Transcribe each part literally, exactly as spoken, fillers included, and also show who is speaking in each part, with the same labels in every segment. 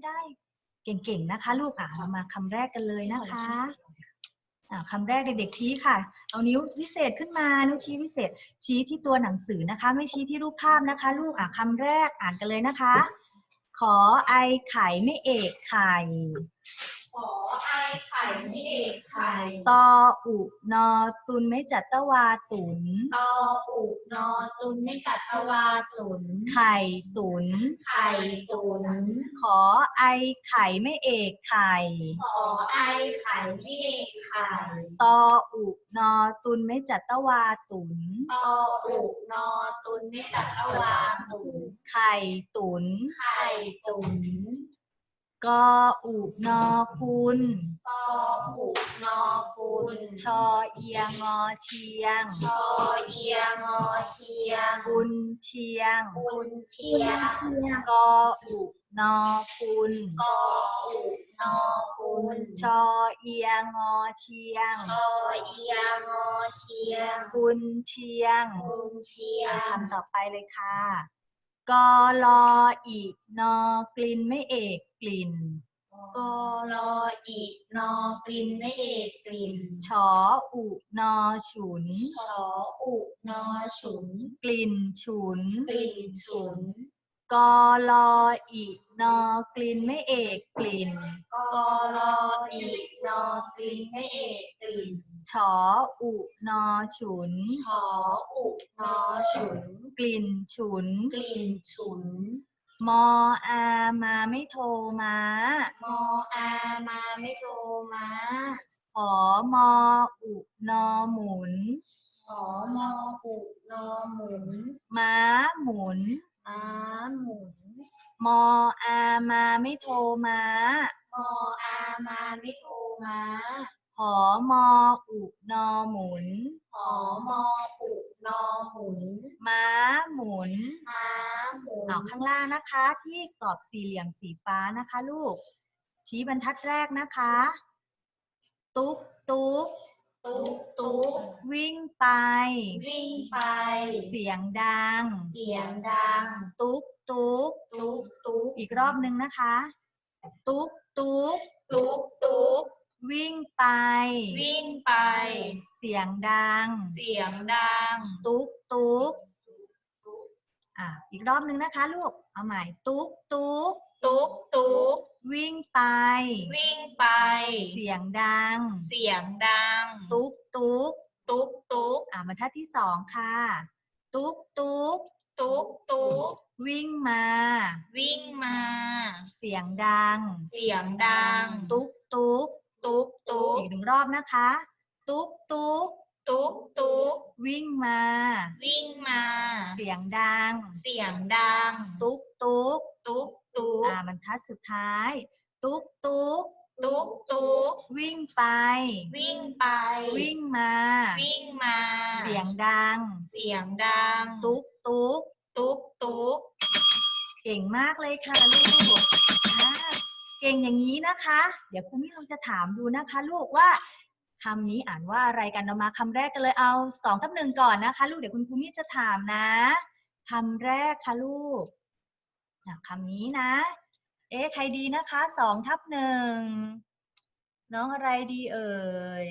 Speaker 1: ได้เก่งๆนะคะลูกอ่ะเรามาคำแรกกันเลยนะคะอ่าคำแรกเด็กๆชี้ค่ะเอานิ้ววิเศษขึ้นมานิ้วชี้วิเศษชี้ที่ตัวหนังสือนะคะไม่ชี้ที่รูปภาพนะคะลูกอ่ะคำแรกอ่านกันเลยนะคะขอไอไข่ไม่เอกไข่
Speaker 2: ขอไอไข่ไม่เอกไข่
Speaker 1: ตออุนอตุนไม่จัตตวาตุน
Speaker 2: ตออุนอตุนไม่จัตตวาตุน
Speaker 1: ไข่ตุน
Speaker 2: ไข่ตุน
Speaker 1: ขอไอไข่ไม่เอกไข่
Speaker 2: ขอไอไข่ไม่เอกไข่
Speaker 1: ตออุนอตุนไม่จัตตวาตุน
Speaker 2: ตออุนอตุนไม่จัตตวาตุน
Speaker 1: ไข่ตุน
Speaker 2: ไข่ตุน
Speaker 1: กออุนอคุณ
Speaker 2: ตออุนอคุณ
Speaker 1: ชอเอียงอเชียง
Speaker 2: ชอเอียงอเชียง
Speaker 1: กุนเชียง
Speaker 2: กุนเชียง
Speaker 1: กออุนอคุณ
Speaker 2: กออุนอคุณ
Speaker 1: ชอเอียงอเชียง
Speaker 2: ชอเอียงอเชียง
Speaker 1: กุนเชียง
Speaker 2: กุนเชียง
Speaker 1: คำต่อไปเลยค่ะกอลออีนอกลิ่นไม่เอกกลิ่น
Speaker 2: กอรออีนอกลิ่นไม่เอกกลิ่น
Speaker 1: ชออุนอฉุน
Speaker 2: ชออุนอฉุน
Speaker 1: กลิ่นฉุน
Speaker 2: กลิ่นฉุน
Speaker 1: กอลออีนอกลิ่นไม่เอกกลิ่น
Speaker 2: กอรออีนอกลิ่นไม่เอกกลิ่น
Speaker 1: ชออุนอฉุน
Speaker 2: ชออุนอฉุน
Speaker 1: กลิ่นฉุน
Speaker 2: กลิ่นฉุน
Speaker 1: มออามาไม่โทรมา
Speaker 2: มออามาไม่โทรมา
Speaker 1: หอมออุนอหมุน
Speaker 2: ขอมออุนอหมุน
Speaker 1: ม้าหมุน
Speaker 2: ม้าหมุน
Speaker 1: มออามาไม่โทรมา
Speaker 2: มออามาไม่โทรมา
Speaker 1: หอมออุนอหมุน
Speaker 2: หอมออุนอหมุน
Speaker 1: ม้าหมุน
Speaker 2: ม้าหมุน
Speaker 1: เอาข้างล่างนะคะที่กรอบสี่เหลี่ยมสีฟ้านะคะลูกชี้บรรทัดแรกนะคะ ตุ๊กตุ๊ก
Speaker 2: ตุ๊กตุ๊ก
Speaker 1: วิ่งไป
Speaker 2: วิ่งไป
Speaker 1: เสียงดัง
Speaker 2: เสียงดัง
Speaker 1: ตุ๊กตุ๊ก
Speaker 2: ตุ๊กตุ๊ก
Speaker 1: อีกรอบหนึ่งนะคะ ตุ๊กตุ๊ก
Speaker 2: ตุ๊กตุ๊ก
Speaker 1: วิ่งไป
Speaker 2: วิ่งไป
Speaker 1: เสียงดัง
Speaker 2: เสียงดัง
Speaker 1: ตุ๊กตุ๊กอ่ะอีกรอบหนึ่งนะคะลูกเอาใหม่ตุ๊กตุ๊ก
Speaker 2: ตุ๊กตุ๊ก
Speaker 1: วิ่งไป
Speaker 2: วิ่งไป
Speaker 1: เสียงดัง
Speaker 2: เสียงดัง
Speaker 1: ตุ๊กตุ๊ก
Speaker 2: ตุ๊กตุ๊ก
Speaker 1: อ่ะบรรทัดที่สองค่ะ ตุ๊กตุ๊ก
Speaker 2: ตุ๊กตุ๊ก
Speaker 1: วิ่งมา
Speaker 2: วิ่งมา
Speaker 1: เสียงดัง
Speaker 2: เสียงดัง
Speaker 1: ตุ๊กตุ๊ก
Speaker 2: ตุ๊กตุ๊ก
Speaker 1: อีกหนึ่งรอบนะคะ ตุ๊กตุ๊ก
Speaker 2: ตุ๊กตุ๊ก
Speaker 1: วิ่งมา
Speaker 2: วิ่งมา
Speaker 1: เสียงดัง
Speaker 2: เสียงดัง
Speaker 1: ตุ๊กตุ๊ก
Speaker 2: ตุ๊กตุ๊ก
Speaker 1: อ่าบรรทัดสุดท้าย ตุ๊กตุ๊ก
Speaker 2: ตุ๊กตุ๊ก
Speaker 1: วิ่งไป
Speaker 2: วิ่งไป
Speaker 1: วิ่งมา
Speaker 2: วิ่งมา
Speaker 1: เสียงดัง
Speaker 2: เสียงดัง
Speaker 1: ตุ๊กตุ๊ก
Speaker 2: ตุ๊กตุ๊ก
Speaker 1: เก่งมากเลยค่ะลูกอ่าเก่งอย่างนี้นะคะ เดี๋ยวครูมิเราจะถามดูนะคะ ลูกว่าคำนี้อ่านว่าอะไรกันเรามาคำแรกกันเลยเอาสองทับหนึ่งก่อนนะคะ ลูกเดี๋ยวคุณครูมิจะถามนะคำแรกค่ะลูกอ่ะคำนี้นะ เอ๊ะใครดีนะคะสองทับหนึ่งน้องอะไรดีเอ่ย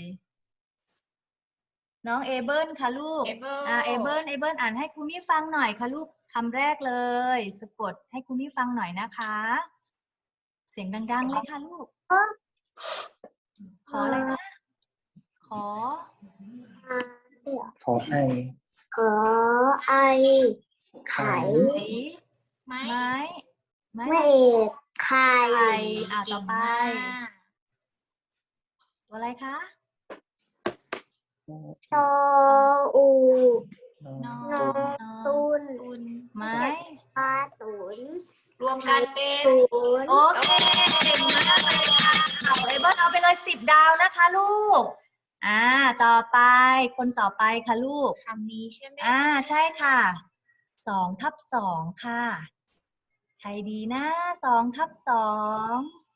Speaker 1: น้องเอเบิลค่ะลูก
Speaker 2: เอเบิล
Speaker 1: อ่าเอเบิลเอเบิลอ่านให้ครูมิฟังหน่อยค่ะลูกคำแรกเลยสะกดให้ครูมิฟังหน่อยนะคะ เสียงดังๆเลยค่ะลูกขออะไรนะขอ
Speaker 3: ขอไอ
Speaker 4: ขอไอ
Speaker 3: ไข่
Speaker 1: ไม้
Speaker 2: ไม้
Speaker 1: ไม้ไม้
Speaker 4: ไม่เอกไข่
Speaker 1: ไข่อ่าต่อไป
Speaker 2: เก่งมาก
Speaker 1: ตัวอะไรคะ
Speaker 4: ตออู
Speaker 3: นอ
Speaker 2: น้อง
Speaker 1: นอ
Speaker 4: ตุน
Speaker 2: ตุน
Speaker 1: ไม้
Speaker 4: ปลาตุน
Speaker 2: รวมกันเป็น
Speaker 4: ตุน
Speaker 1: โอเคเก่งมากเลยค่ะเอาเอเบิลเอาไปเลยสิบดาวนะคะลูกอ่าต่อไปคนต่อไปค่ะลูก
Speaker 2: คำนี้ใช่ไหม
Speaker 1: อ่าใช่ค่ะสองทับสองค่ะใครดีนะสองทับสอง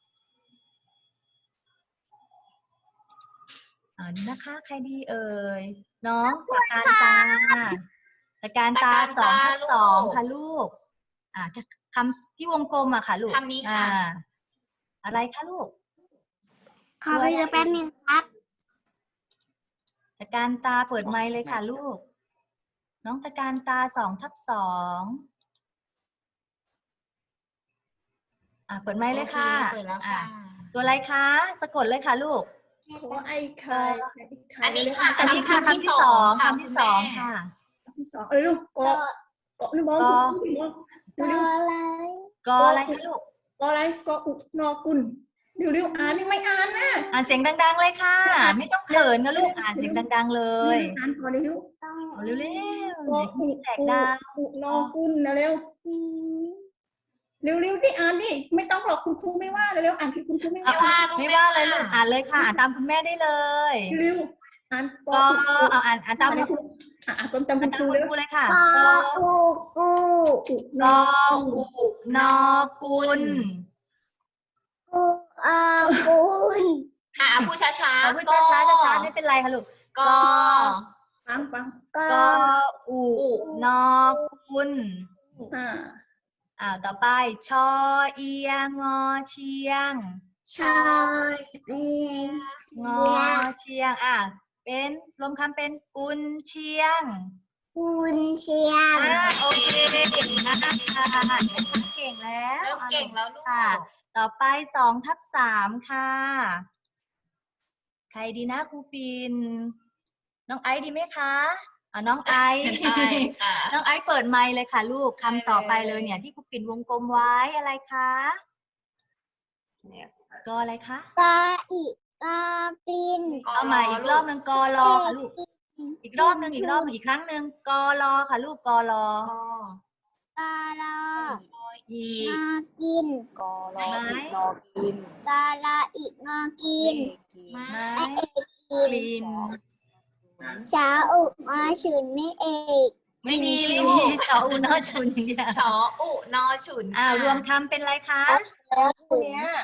Speaker 1: อ่านี่นะคะใครดีเอ่ยน้องตะการตาตะการตาสองทับสองค่ะลูกอ่าคำที่วงกลมอะค่ะลูก
Speaker 2: คำนี้ค่ะ
Speaker 1: อ่าอะไรคะลูก
Speaker 4: ขอไปดูแป๊บนึงครับ
Speaker 1: ตะการตาเปิดไมค์เลยค่ะลูก น้องตะการตาสองทับสองอ่ะเปิดไมค์เลยค่ะ
Speaker 2: โอเปิดแล้วค่ะ
Speaker 1: อ่ะตัวอะไรคะ สะกดเลยค่ะลูก
Speaker 3: ขอไอ้ไข่ไข่ไข่
Speaker 2: อันนี้ค่ะ
Speaker 1: อันนี้ค่ะคำที่สองคำที่สองค่ะ
Speaker 3: คำที่สองเอ้ยลูกเกาะเกาะนี่มอง
Speaker 1: กอ
Speaker 3: คุณมอง
Speaker 4: ก็
Speaker 3: เร็ว
Speaker 4: อะไร
Speaker 1: กออะไรคะลูก
Speaker 3: ๆเกาะอะไรเกาะอุนอกุลเร็วๆอ่านนี่ไม่อ่านนะ
Speaker 1: อ่านเสียงดังๆเลยค่ะ ไม่ต้องเขินนะลูก อ่านเสียงดังๆเลย
Speaker 3: อ่านก่อนเร็ว
Speaker 4: ต้อง
Speaker 1: เอาเร็วๆ
Speaker 3: เกาะ
Speaker 1: เดี๋ยว
Speaker 3: อุ
Speaker 1: พี่แจกดาว
Speaker 3: อุนอกุลนะเร็วเร็วๆดิอ่านดิไม่ต้องหรอกคุณครูไม่ว่าเร็วๆอ่านที่คุณครูไม่
Speaker 1: อ่ะ
Speaker 3: ว่า
Speaker 1: ไม่ว่าเลยลูก อ่านเลยค่ะ อ่านตามคุณแม่ได้เลย
Speaker 3: เร็วๆอ่าน
Speaker 1: กอเอาอ่านอ่านตาม
Speaker 3: อ่าน
Speaker 1: คุณ
Speaker 3: อ่านตาม
Speaker 1: อ่าน
Speaker 3: คุณ
Speaker 1: ตามคุณ
Speaker 3: ครูเร็ว
Speaker 1: ครูเลยค่ะ
Speaker 4: กออูกู
Speaker 3: อุ
Speaker 1: ก
Speaker 3: น
Speaker 1: อ
Speaker 3: อ
Speaker 1: อุนอกุล
Speaker 4: กูอากูน
Speaker 2: ค่ะพูดช้า
Speaker 1: เอา
Speaker 2: ๆ
Speaker 1: พูดช้าๆช้าๆไม่เป็นไรค่ะลูก
Speaker 2: กอ
Speaker 3: ฟังฟัง
Speaker 4: ก
Speaker 1: ก
Speaker 4: อ
Speaker 1: ออุนอกุล
Speaker 3: อ่า
Speaker 1: อ่าต่อไป ชอเอียงอเชียง
Speaker 4: ชอเรียน
Speaker 1: งอเชียง อ่ะ เป็นรวมคำเป็นกุนเชียง
Speaker 4: คุณเชียง
Speaker 1: อ่าโอเคเก่งมากค่ะเก่งแล้ว
Speaker 2: เริ่มเก่งแล้วลูก
Speaker 1: ค่ะ ต่อไปสองทับสามค่ะ ใครดีนะครูปิน น้องไอซ์ดีไหมคะอ่าน้องไอซ์
Speaker 2: ใช่ค่ะ
Speaker 1: น้องไอซ์เปิดไมค์เลยค่ะลูกคำต่อไปเลยเนี่ยที่ครูปิ่นวงกลมไว้อะไรคะก็อะไรคะ
Speaker 4: กออีกอกลิน
Speaker 1: เอาใหม่อีกรอบหนึ่งกอรอค่ะลูก อีกรอบหนึ่งอีกรอบหนึ่งอีกครั้งหนึ่งกอรอค่ะลูกกอรอก
Speaker 2: อ
Speaker 4: กอรอ
Speaker 1: อี
Speaker 4: งอกิน
Speaker 5: กอรอ
Speaker 1: ไม้
Speaker 5: อีกนอกิน
Speaker 4: กอรออีกงอกิน
Speaker 2: มา
Speaker 1: ไม้
Speaker 4: ไม่เอกกิ
Speaker 1: ก
Speaker 4: น
Speaker 1: ลิ่น
Speaker 4: ชาอุงอฉุนไม่เอก
Speaker 1: ไม่มี
Speaker 2: ไม่
Speaker 1: ไม่
Speaker 2: มี
Speaker 1: มีชออุนอชุนอย่างเดียว
Speaker 2: ชออุนอฉุน
Speaker 1: อ่า
Speaker 2: ค่ะ
Speaker 1: รวมคำเป็นอะไรคะ
Speaker 5: แล้วคู่เนี้ย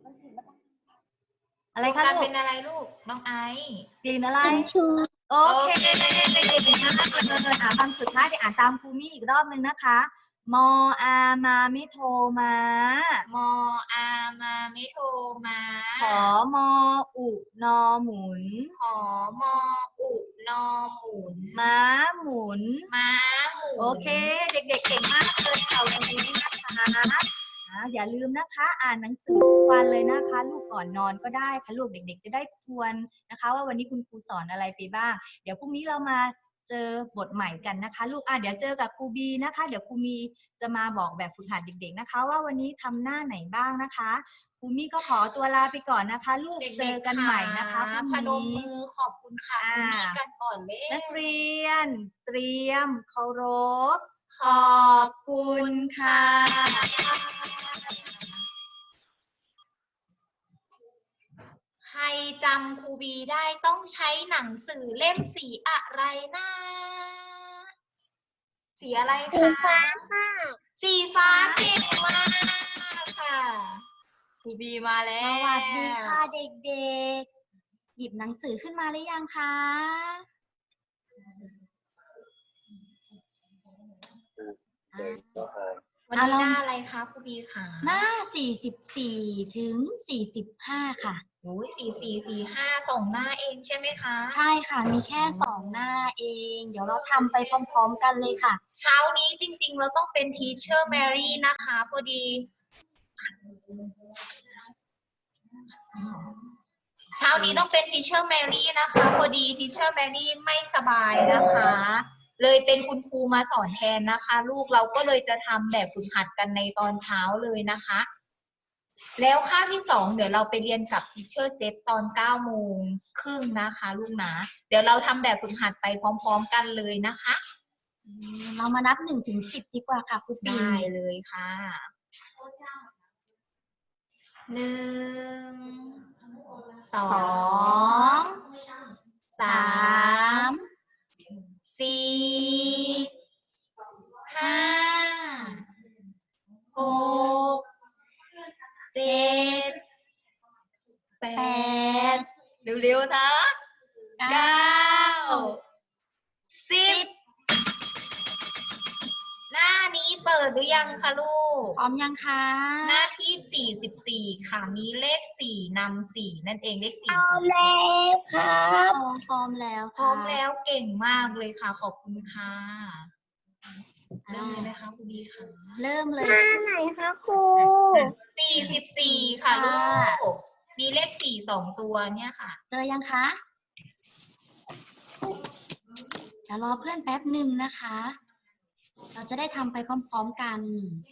Speaker 1: อะไร
Speaker 2: รวม
Speaker 1: คะ
Speaker 2: กัน
Speaker 1: ลู
Speaker 2: เป็
Speaker 1: ก
Speaker 2: นอะไรลูก น้องไอซ์
Speaker 1: กลิ่นอะไร
Speaker 4: กินชู
Speaker 1: โอเคเก่งมากเลยอ่ะคำสุดท้ายเดี๋ยวอ่านตามครูมี่อีกรอบนึงนะคะ มออามาไม่โทรมา
Speaker 2: มออามาไม่โทรมา
Speaker 1: ขอมออุนอหมุน
Speaker 2: ขอมออุนอหมุน
Speaker 1: ม้าหมุน
Speaker 2: ม้าหมุน
Speaker 1: โอเค เด็กๆเก่งมากเลยค่ะวันนี้นะคะอ่าอย่าลืมนะคะ อ่านหนังสือทุกวันเลยนะคะ ลูกก่อนนอนก็ได้ค่ะลูกเด็กๆจะได้ทวนนะคะ ว่าวันนี้คุณครูสอนอะไรไปบ้าง เดี๋ยวพรุ่งนี้เรามาเจอบทใหม่กันนะคะ ลูกอ่ะเดี๋ยวเจอกับครูบีนะคะ เดี๋ยวครูมีจะมาบอกแบบฝึกหัดเด็กๆนะคะ ว่าวันนี้ทำหน้าไหนบ้างนะคะครูมี่ก็ขอตัวลาไปก่อนนะคะ ลูก
Speaker 2: เด็
Speaker 1: เจอก
Speaker 2: ๆ
Speaker 1: กันใหม่นะคะพ
Speaker 2: พ
Speaker 1: รุ่ง
Speaker 2: นม
Speaker 1: นี้
Speaker 2: มือขอบคุณค่ะ
Speaker 1: อ่า
Speaker 2: คุณมีกันก่อนเลย
Speaker 1: นักเรียน เตรียมเคารพ
Speaker 2: ขอบคุณค่ะ ใครจำครูบีได้ต้องใช้หนังสือเล่มสีอะไรนะ สีอะไร
Speaker 4: สี
Speaker 2: คะ
Speaker 4: ฟ้าค่ะ
Speaker 2: สีฟ้าเก่งมากค่ะครูบีมาแล้
Speaker 6: ส
Speaker 2: ว
Speaker 6: วัสดีค่ะเด็กๆ หยิบหนังสือขึ้นมาหรือยังคะ
Speaker 2: วันนี้หน้าอะไรคะครูบีคะ
Speaker 6: หน้า สี่สิบสี่ ถึง สี่สิบห้า ค่ะ
Speaker 2: โอ้ยสี่สี่สี่ห้าส่งหน้าเองใช่ไหมคะ
Speaker 6: ใช่ค่ะ มีแค่สองหน้าเอง เดี๋ยวเราทำไปพร้อมๆกันเลยค่ะ
Speaker 2: เช้านี้จริงๆ เราต้องเป็น Teacher Mary นะคะพอดี เช้านี้ต้องเป็น Teacher Mary นะคะพอดี Teacher Mary ไม่สบายนะคะ เลยเป็นคุณครูมาสอนแทนนะคะ ลูกเราก็เลยจะทำแบบฝึกหัดกันในตอนเช้าเลยนะคะ แล้วคาบที่สองเดี๋ยวเราไปเรียนกับ Teacher เจฟตอนเก้าโมงครึ่งนะคะลูกนะเดี๋ยวเราทำแบบฝึกหัดไปพร้อมๆกันเลยนะคะ
Speaker 6: เรามานับหนึ่งถึงสิบดีกว่าค่ะครูปิ่น
Speaker 2: ได้เลยค่ะหนึ่งสอ
Speaker 6: สอง ง
Speaker 2: สา
Speaker 6: สาม ม
Speaker 2: สี่ห้าหกเจ็ดแป
Speaker 6: แป
Speaker 2: ด
Speaker 6: ด
Speaker 2: เร็วๆนะ
Speaker 6: เก้า
Speaker 2: เก้าสิบหน้านี้นี้เปิดหรือยังคะลูก
Speaker 6: พร้อมยังคะ
Speaker 2: หน้าที่สี่สิบสี่ค่ะ มีเลขสี่นำสี่นั่นเองเลขสี่
Speaker 4: พร้อมแล้วครับ
Speaker 6: พร้อมแล้ว
Speaker 2: พร้อมแล้วเก่งมากเลยค่ะ ขอบคุณค่ะ เริ่ม
Speaker 6: อ่า
Speaker 2: เลยไหมคะคุณบีคะ
Speaker 6: เริ่มเลย
Speaker 4: หน้าไหนคะครู
Speaker 2: สี่สิบสี่ค่ะลู
Speaker 6: ค่ะ
Speaker 2: ก มีเลขสี่สองตัวเนี่ยค่ะ
Speaker 6: เจอยังคะ จะรอเพื่อนแป๊บหนึ่งนะคะ เราจะได้ทำไปพร้อมๆกัน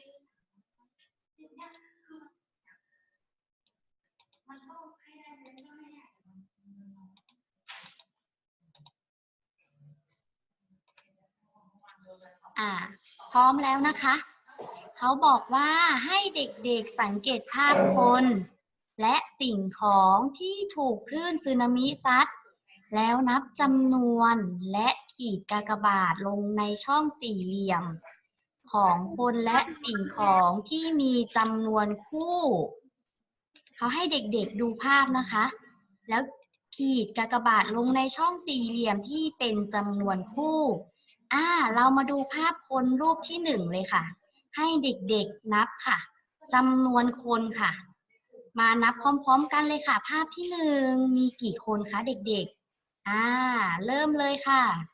Speaker 6: อ่า พร้อมแล้วนะคะ เขาบอกว่าให้เด็กๆสังเกตภาพคน และสิ่งของที่ถูกคลื่นสึนามิซัด แล้วนับจำนวนและขีดกากบาทลงในช่องสี่เหลี่ยม ของคนและสิ่งของที่มีจำนวนคู่ เขาให้เด็กๆดูภาพนะคะ แล้วขีดกากบาทลงในช่องสี่เหลี่ยมที่เป็นจำนวนคู่ อ่า เรามาดูภาพคนรูปที่หนึ่งเลยค่ะ ให้เด็กๆนับค่ะจำนวนคนค่ะ มานับพร้อมๆกันเลยค่ะ ภาพที่หนึ่งมีกี่คนคะเด็กๆ อ่า เริ่มเลยค่ะ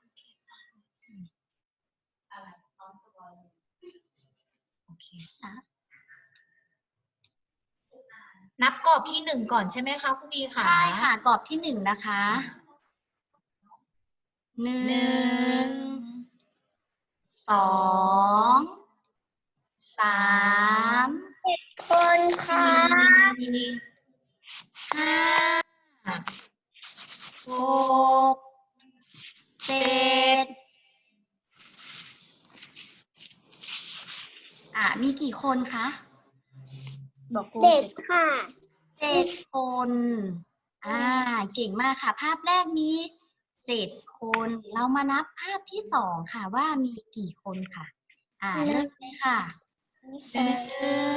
Speaker 6: โอเคอ่ะ
Speaker 2: นับกรอบที่หนึ่งก่อนใช่ไหมคะคุณบีคะ
Speaker 6: ใช่ค่ะกรอบที่หนึ่งนะคะหนึ่
Speaker 2: หนึ่
Speaker 6: ง
Speaker 2: ง
Speaker 6: สองสาม
Speaker 4: คนค่ะ
Speaker 2: สี่
Speaker 6: ห้า หก เจ็ด อ่ะ มีกี่คนคะ
Speaker 4: เด็กค่ะ
Speaker 6: เจ็ดคน อ่า เก่งมากค่ะ ภาพแรกมีเจ็ดคน เรามานับภาพที่สองค่ะว่ามีกี่คนค่ะ อ่า เริ่มเลยค่ะหนึ่ง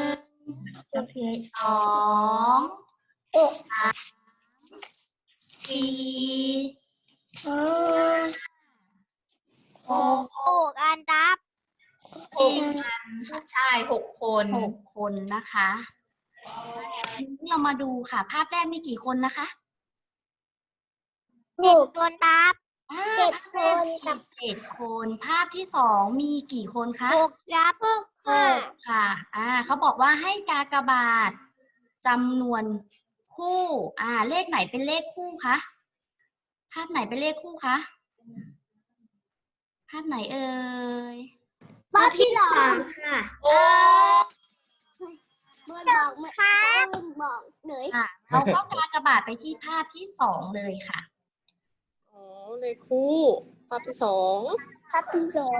Speaker 6: สอง
Speaker 4: โอ้
Speaker 6: สาม สี่ หก
Speaker 4: โอ้การรับ
Speaker 2: หกใช่หกคน
Speaker 6: หกคนนะคะทีนี้เรามาดูค่ะ ภาพแรกมีกี่คนนะคะ
Speaker 4: เด็กคนรับ
Speaker 6: อ่า
Speaker 4: เจ็ด
Speaker 6: ภาพแรก
Speaker 4: คนกับ
Speaker 6: เจ็ดคน ภาพที่สองมีกี่คนคะ
Speaker 4: หกรับหก
Speaker 6: ห
Speaker 4: ค่ะ
Speaker 6: กค่ะ อ่า เขาบอกว่าให้กากบาทจำนวนคู่ อ่า เลขไหนเป็นเลขคู่คะ ภาพไหนเป็นเลขคู่คะ ภาพไหนเอ่ย
Speaker 4: ภาพที่สองค่ะ
Speaker 2: โอ้
Speaker 4: เมื่อบอกเมื่อบอกเลย
Speaker 6: ค่ะ เราก็กากบาทไปที่ภาพที่สองเลยค่ะ
Speaker 5: อ๋อเลขคู่ ภาพที่สอง
Speaker 4: ภาพที่สอง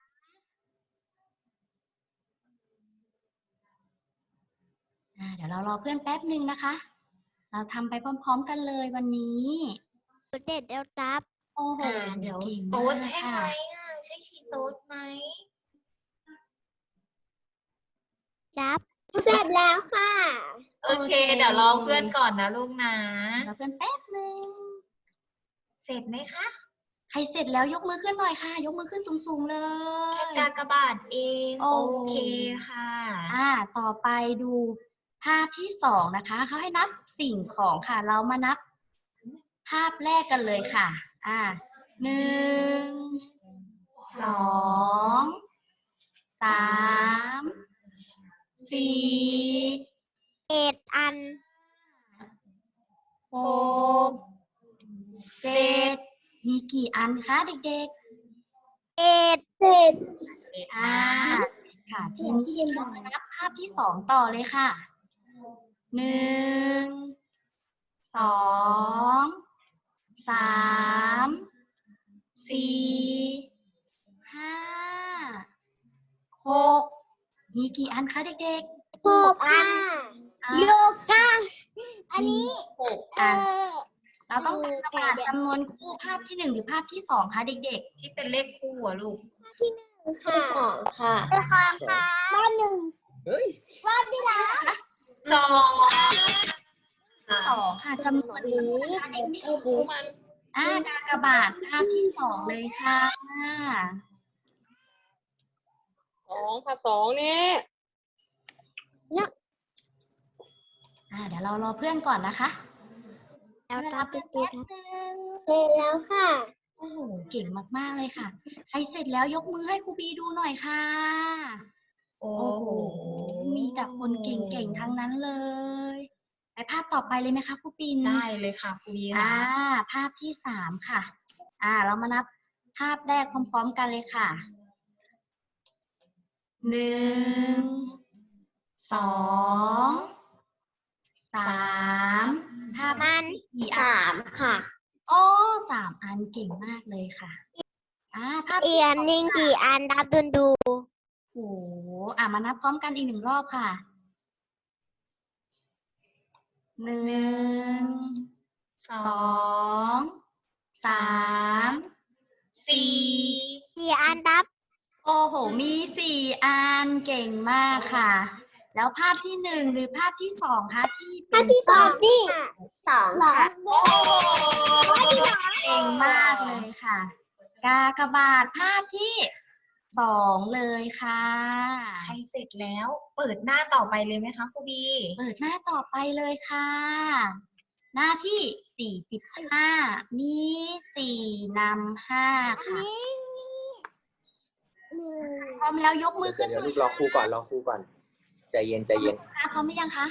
Speaker 6: อ่า เดี๋ยวเรารอเพื่อนแป๊บหนึ่งนะคะ เราทำไปพร้อมๆกันเลยวันนี้
Speaker 4: เด็กแล้วรับ
Speaker 6: โอ้โห
Speaker 2: อ่าเดี๋ยว
Speaker 6: ก่ง
Speaker 2: โต๊ด
Speaker 6: มาก
Speaker 2: ใช่ไหม
Speaker 6: ค่ะ
Speaker 2: อ่ะใช่ชีโต๊ดไหม
Speaker 4: รับ เสร็จแล้วค่ะ
Speaker 2: โอเค เดี๋ยวรอเพื่อนก่อนนะลูกนะ
Speaker 6: เราเพื่อนแป๊บหนึ่ง
Speaker 2: เสร็จไหมคะ
Speaker 6: ใครเสร็จแล้วยกมือขึ้นหน่อยค่ะ ยกมือขึ้นสูงๆเล
Speaker 2: แค่
Speaker 6: ย
Speaker 2: กากบาทเอง
Speaker 6: โอ้
Speaker 2: โอเคค่ะ
Speaker 6: อ่า ต่อไปดูภาพที่สองนะคะ เขาให้นับสิ่งของค่ะ เรามานับภาพแรกกันเลยค่ะ อ่า หนึ่ง สอง สาม สี่
Speaker 4: เอ็ดอัน
Speaker 6: หก เจ็ด มีกี่อันคะเด็ก
Speaker 4: เอ็ดเจ็ด
Speaker 6: ๆ อ่า ค่ะทีนี้เรามานับภาพที่สองต่อเลยค่ะ หนึ่ง สอง สาม สี่ ห้า หก มีกี่อันคะเด็ก
Speaker 4: หกอัน
Speaker 6: ๆอ่า
Speaker 4: โยกาอันนี้
Speaker 6: หก
Speaker 4: เอ
Speaker 6: อัน
Speaker 4: อ
Speaker 6: เราต้องการกระบาดจำนวนคู่ภาพที่หนึ่งหรือภาพที่สองคะเด็ก
Speaker 2: ที่เป็นเลขคู่อะลูก
Speaker 4: ค่ะสองค่ะเป็นคำค่ะบ้านหนึ่ง
Speaker 5: เฮ้ย
Speaker 4: บ้านที่รัก
Speaker 2: สอง
Speaker 6: ๆสองค่ะจำนวนคู่นะคะเด็ก
Speaker 5: โอ้โหมัน
Speaker 6: ๆอ่ากากบาทภาพที่สองเลยค่ะ
Speaker 5: สองภาพสองเนี่ย
Speaker 6: อ่าเดี๋ยวเรารอเพื่อนก่อนนะคะ
Speaker 4: แล้ว
Speaker 6: เว
Speaker 4: ค
Speaker 6: ลา
Speaker 4: รับ
Speaker 6: เพื่อน
Speaker 4: พี่
Speaker 6: แป๊บนึง
Speaker 4: เสร็จแล้วค่ะ
Speaker 6: โอ้โหเก่งมากๆเลยค่ะ ใครเสร็จแล้วยกมือให้ครูบีดูหน่อยค่ะ
Speaker 2: โอ้
Speaker 6: โอ้โห มีแต่คนเก่งๆทั้งนั้นเลย ไปภาพต่อไปเลยไหมคะครูปิน
Speaker 2: ได้เลยค่ะครูบี
Speaker 6: อ่า
Speaker 2: ค่ะ
Speaker 6: ภาพที่สามค่ะ อ่า เรามานับภาพแรกพร้อมๆกันเลยค่ะ หนึ่ง สอง สาม ภาพ
Speaker 4: มัน
Speaker 6: กี่อัน
Speaker 4: สามค่ะ
Speaker 6: โอ้สามอันเก่งมากเลยค่ะ อ่า ภาพ
Speaker 4: เอี
Speaker 6: ที่
Speaker 4: ย
Speaker 6: ส
Speaker 4: น
Speaker 6: อง
Speaker 4: นิ่ง
Speaker 6: ค่ะ
Speaker 4: กี่อันดับดุนดู
Speaker 6: โอ้โหอ่ะมานับพร้อมกันอีกหนึ่งรอบค่ะ หนึ่ง
Speaker 2: สอ
Speaker 6: สอง สาม
Speaker 2: สี่
Speaker 4: กี่อันดับ
Speaker 6: โอ้โห มีสี่อันเก่งมากค่ะ แล้วภาพที่หนึ่งหรือภาพที่สองคะที่เป็
Speaker 4: ภาพ
Speaker 6: น
Speaker 4: ที่สองนี่สองค่ะ
Speaker 2: โอ้โห
Speaker 6: เก่งมากเลยค่ะ กากบาทภาพที่สองเลยค่ะ
Speaker 2: ใครเสร็จแล้วเปิดหน้าต่อไปเลยไหมคะครูบี
Speaker 6: เปิดหน้าต่อไปเลยค่ะ หน้าที่สี่สิบห้ามีสี่นำห้าค่ะ พร้อมแล้วยกมือขึ้น
Speaker 7: เดี๋ยว
Speaker 6: หน่
Speaker 7: ลู
Speaker 6: อย
Speaker 7: กรอครูก่อนรอครูก่อนใจเย็นใจเย็น
Speaker 6: ค่ะพร้อมหรือยังคะ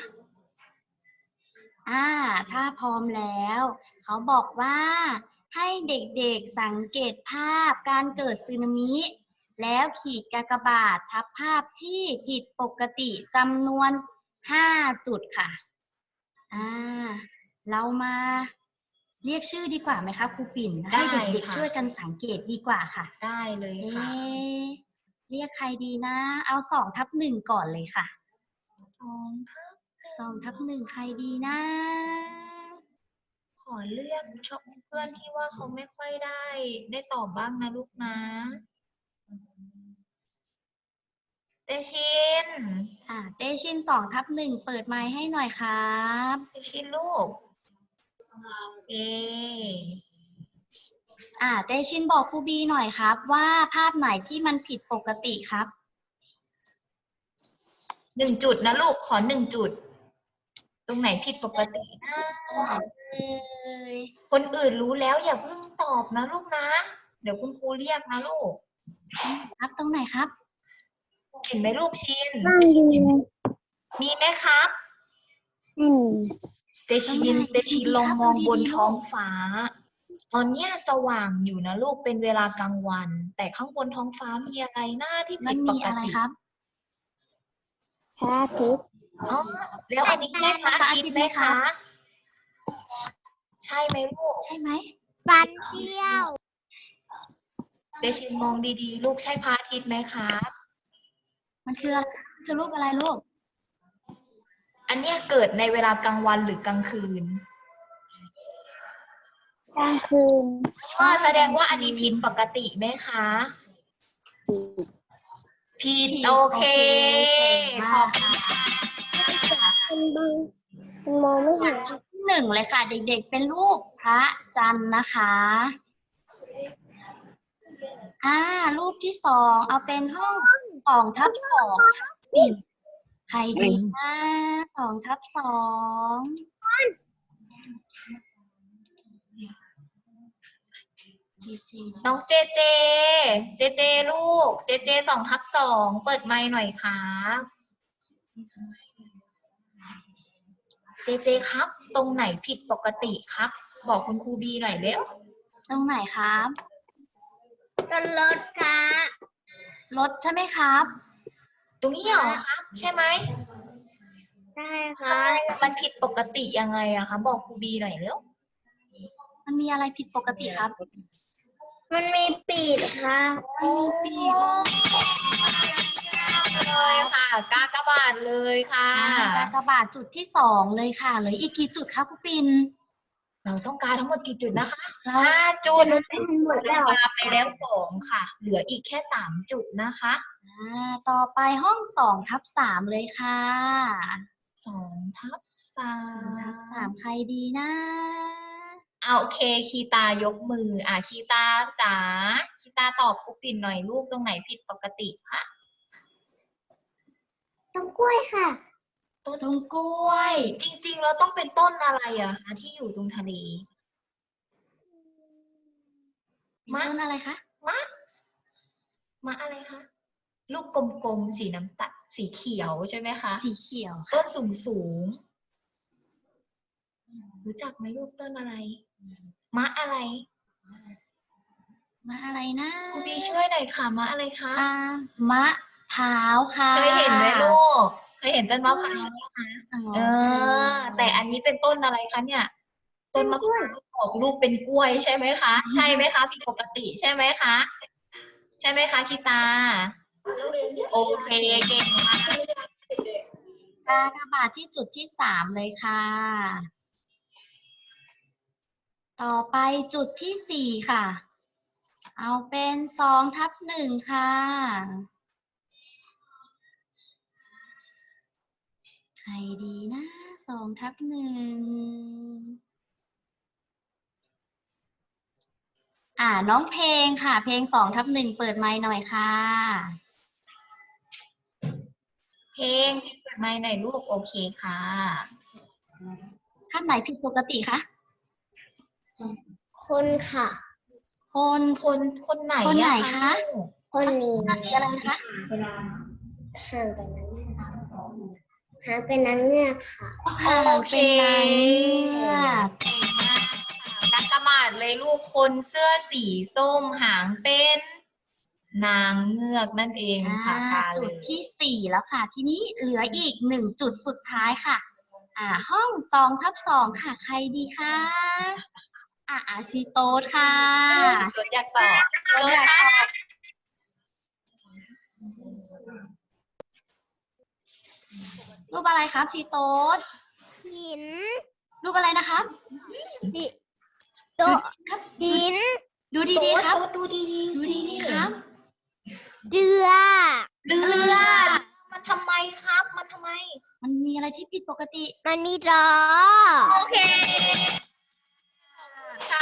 Speaker 6: อ่า ถ้าพร้อมแล้ว เขาบอกว่าให้เด็กๆสังเกตภาพการเกิดสึนามิ แล้วขีดกากบาททับภาพที่ผิดปกติจำนวนห้าจุดค่ะ อ่า เรามาเรียกชื่อดีกว่าไหมคะครูปิ่น ให้เด็กๆช่วยกันสังเกตดีกว่าค่ะ
Speaker 2: ได้เลย
Speaker 6: เอ๊
Speaker 2: ค่ะ
Speaker 6: ะเรียกใครดีนะ เอาสองทับหนึ่งก่อนเลยค่ะ
Speaker 2: สองทับ
Speaker 6: สองทับหนึ่งใครดีนะ
Speaker 2: ขอเลือกชอบเพื่อนที่ว่าเขาไม่ค่อยได้ ได้ตอบบ้างนะลูกนะเตชิน
Speaker 6: อ่าเตชินสองทับหนึ่งเปิดไมค์ให้หน่อยครับ
Speaker 2: เตชินลูกเอ
Speaker 6: อ่าเตชินบอกครูบีหน่อยครับ ว่าภาพไหนที่มันผิดปกติครับ
Speaker 2: หนึ่งจุดนะลูกขอหนึ่งจุด ตรงไหนผิดปกตินะ
Speaker 6: เอ้ย
Speaker 2: คนอื่นรู้แล้วอย่าเพิ่งตอบนะลูกนะ เดี๋ยวคุณครูเรียกนะลูก
Speaker 6: ครับตรงไหนครับ
Speaker 2: เห็นไหมลูกชิน
Speaker 4: นั่งดู
Speaker 2: มีไหมครับ
Speaker 4: อืม
Speaker 2: เตชินเตชินลองมองบนท้องฟ้า ตอนเนี้ยสว่างอยู่นะลูกเป็นเวลากลางวัน แต่ข้างบนท้องฟ้ามีอะไรหน้าที่
Speaker 6: มั
Speaker 2: ผิ
Speaker 6: น
Speaker 2: ดป
Speaker 6: มี
Speaker 2: ก
Speaker 6: อะไร
Speaker 2: ติ
Speaker 6: ครับ
Speaker 4: พระอาทิตย์
Speaker 2: อ๋อแล้วอันนี้ใช่พระอาทิตย์ไหมคะ ใช่ไหมลูก
Speaker 6: ใช่ไหม
Speaker 4: ฟันเที่ยว
Speaker 2: เตชินมองดีๆ ลูกใช่พระอาทิตย์ไหมคะ
Speaker 6: มันคืออะไรมันคือรูปอะไรลูก
Speaker 2: อันเนี้ยเกิดในเวลากลางวันหรือกลางคืน
Speaker 4: กลางคืน
Speaker 2: อ๋อแสดงว่าอันนี้ผิดปกติไหมคะ ผิดโอเค ขอบคุณค่ะ
Speaker 4: มันบังมันมองไม่เห็น
Speaker 6: ที่หนึ่งเลยค่ะ เด็กๆเป็นรูปพระจันทร์นะคะ อ่า รูปที่สองเอาเป็นห้องสองทับสองค่ะปิ่นใครดีนะสองทับสองจีจี
Speaker 2: น้องเจเจ เจเจลูก เจเจสองทับสองเปิดไมค์หน่อยครับเจเจครับ ตรงไหนผิดปกติครับ บอกคุณครูบีหน่อยเร็ว
Speaker 6: ตรงไหนครับ
Speaker 4: ต้นรถค่ะ
Speaker 6: รถใช่ไหมครับ
Speaker 2: ตรงนี้เหรอครับ ใช่ไหม
Speaker 4: ใช่
Speaker 2: ใช่มันผิดปกติยังไงอะคะบอกครูบีหน่อยเร็ว
Speaker 6: มันมีอะไรผิดปกติครับ
Speaker 4: มันมีปีกค่ะ
Speaker 6: มันมีปีก
Speaker 2: เลยค่ะ กากบาทเลยค่ะ
Speaker 6: อ่ากากบาทจุดที่สองเลยค่ะเหลืออีกกี่จุดคะครูปิน
Speaker 2: เราต้องการทั้งหมดกี่จุดนะคะ
Speaker 6: เรา
Speaker 2: ห้าจุด
Speaker 4: หมดแล้ว
Speaker 2: กาไปแล้วสองค่ะ เหลืออีกแค่สามจุดนะคะ
Speaker 6: อ่าต่อไปห้องสองทับสามเลยค่ะ
Speaker 2: สองทับสา
Speaker 6: สองทับสาม
Speaker 2: ม
Speaker 6: ใครดีนะ
Speaker 2: เอาโอเคคีตายกมือ อ่ะคีตาจ๋าคีตาตอบครูปิ่นหน่อยลูกตรงไหนผิดปกติคะ
Speaker 4: ต้นกล้วยค่ะ
Speaker 2: ต้น
Speaker 6: ต้นกล้วย
Speaker 2: จริงๆเราต้องเป็นต้นอะไรอะคะที่อยู่ตรงทะเล
Speaker 6: เป็นต้นอะไรคะ
Speaker 2: มะมะอะไรคะ ลูกกลมๆสีน้ำตาลสีเขียวใช่ไหมคะ
Speaker 6: สีเขียว
Speaker 2: ต้นสูงสูงๆรู้จักไหมลูกต้นอะไร มะอะไร
Speaker 6: มะอะไรนะ
Speaker 2: ครูบีช่วยหน่อยค่ะมะอะไรคะ
Speaker 6: อ่ามะพร้าวค่ะ
Speaker 2: เคยเห็นไหมลูก เคยเห็นต้นมะพร้าวไหมคะ
Speaker 6: อ๋อ
Speaker 2: เออ แต่อันนี้เป็นต้นอะไรคะเนี่ย ต้นมะพร้าวออกลูกเป็นกล้วยใช่ไหมคะ ใช่ไหมคะผิดปกติใช่ไหมคะ ใช่ไหมคะคิตา โอเคเก่งมาก
Speaker 6: กากบาทที่จุดที่สามเลยค่ะ ต่อไปจุดที่สี่ค่ะ เอาเป็นสองทับหนึ่งค่ะ ใครดีนะสองทับหนึ่ง อ่าน้องเพลงค่ะ เพลงสองทับหนึ่งเปิดไมค์หน่อยค่ะ
Speaker 2: เพลงเปิดไมค์หน่อยลูกโอเคค่ะ
Speaker 6: ท่านไหนผิดปกติคะ
Speaker 4: คนค่ะ
Speaker 6: คน
Speaker 2: คนคนไหน
Speaker 6: คนไหน
Speaker 2: อ
Speaker 6: คะ
Speaker 2: ลูก
Speaker 4: คนนี้
Speaker 6: ท่านสีอะไรนะคะ
Speaker 4: ห่างกันนังเงือกห่างกันนังเงือกค่ะ
Speaker 6: ห่าง
Speaker 2: โอเค
Speaker 6: เป็นนางเงือก
Speaker 2: เก่งมากค่ะนักกระมาดเลยลูกคนเสื้อสีส้มหางเป็นนางเงือกนั่นเองค่ะ
Speaker 6: อ่าก
Speaker 2: า
Speaker 6: จุ
Speaker 2: เล
Speaker 6: ด
Speaker 2: ย
Speaker 6: ที่สี่แล้วค่ะ ทีนี้เหลืออีกหนึ่งจุดสุดท้ายค่ะ อ่า ห้องสองทับสองค่ะ ใครดีคะอ่าอาชิโตสค่ะ
Speaker 2: ตัวอยากตอบ
Speaker 6: โต๊ดอยากตอบ รูปอะไรครับชีโต๊ด
Speaker 4: หิน
Speaker 6: รูปอะไรนะครับ
Speaker 4: ดิโต๊ะหิน
Speaker 6: ดูดีๆครับ
Speaker 2: โต๊ดดูดีๆ
Speaker 6: ดู
Speaker 2: สิ
Speaker 6: ดีๆครับ
Speaker 4: เรือ
Speaker 6: เรือ
Speaker 2: มันทำไมครับ มันทำไม
Speaker 6: มันมีอะไรที่ผิดปกติ
Speaker 4: มันมีล้อ
Speaker 2: โอเค ค่ะ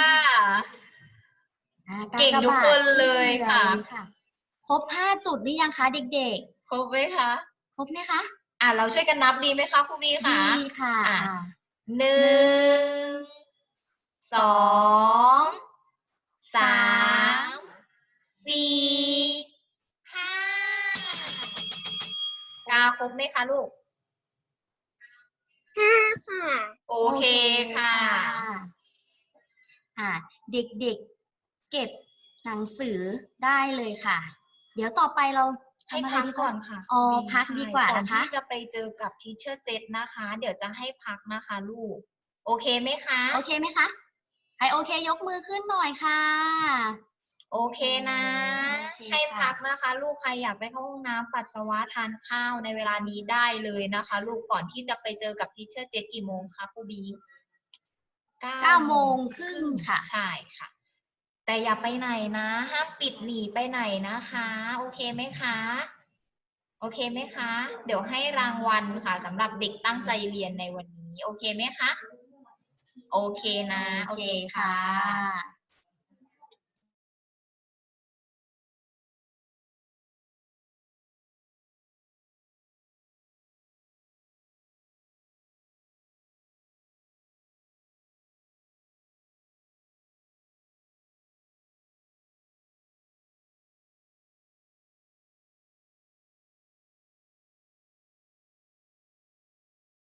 Speaker 6: อ่า
Speaker 2: เก่งทุกคนเลยค่ะ
Speaker 6: กากบาทที่เหลือครบห้าจุดหรือยังคะเด็ก
Speaker 2: ครบไหมคะ
Speaker 6: ๆ ครบไหมคะ
Speaker 2: อ่ะเราช่วยกันนับดีไหมคะครูบีค่ะ
Speaker 6: ดีค่ะ
Speaker 2: อ่ะ
Speaker 6: อ่า
Speaker 2: หนึ่ง สอง สาม สี่ ห้า กาครบไหมคะลูก
Speaker 4: ห้าค่ะ
Speaker 2: โอเคค่ะ
Speaker 6: อ่า เด็กๆ เก็บหนังสือได้เลยค่ะ เดี๋ยวต่อไปเรา
Speaker 2: ให้
Speaker 6: ทำอะไร
Speaker 2: พัก
Speaker 6: ดี
Speaker 2: ก่อนค่ะ
Speaker 6: อ๋อ
Speaker 2: บี
Speaker 6: พัก
Speaker 2: ใช่
Speaker 6: ดีกว่า
Speaker 2: ก่อน
Speaker 6: นะคะ
Speaker 2: ที่จะไปเจอกับทีเชอร์เจษนะคะ เดี๋ยวจะให้พักนะคะลูก โอเคไหมคะ
Speaker 6: โอเคไหมคะ ใครโอเคยกมือขึ้นหน่อยค่ะ
Speaker 2: โอเคนะ
Speaker 6: โอเค
Speaker 2: ให้
Speaker 6: ค่ะ
Speaker 2: พักนะคะ ลูกใครอยากไปเข้าห้องน้ำปัสสาวะทานข้าวในเวลานี้ได้เลยนะคะ ลูกก่อนที่จะไปเจอกับทีเชอร์เจษกี่โมงคะครูบี
Speaker 6: เก้าโมงครึ่งค่ะ
Speaker 2: ใช่ค่ะ แต่อย่าไปไหนนะ ห้ามปิดหนีไปไหนนะคะ โอเคไหมคะ โอเคไหมคะ เดี๋ยวให้รางวัลค่ะสำหรับเด็กตั้งใจเรียนในวันนี้ โอเคไหมคะ โอเคนะ
Speaker 6: โอเคค่ะ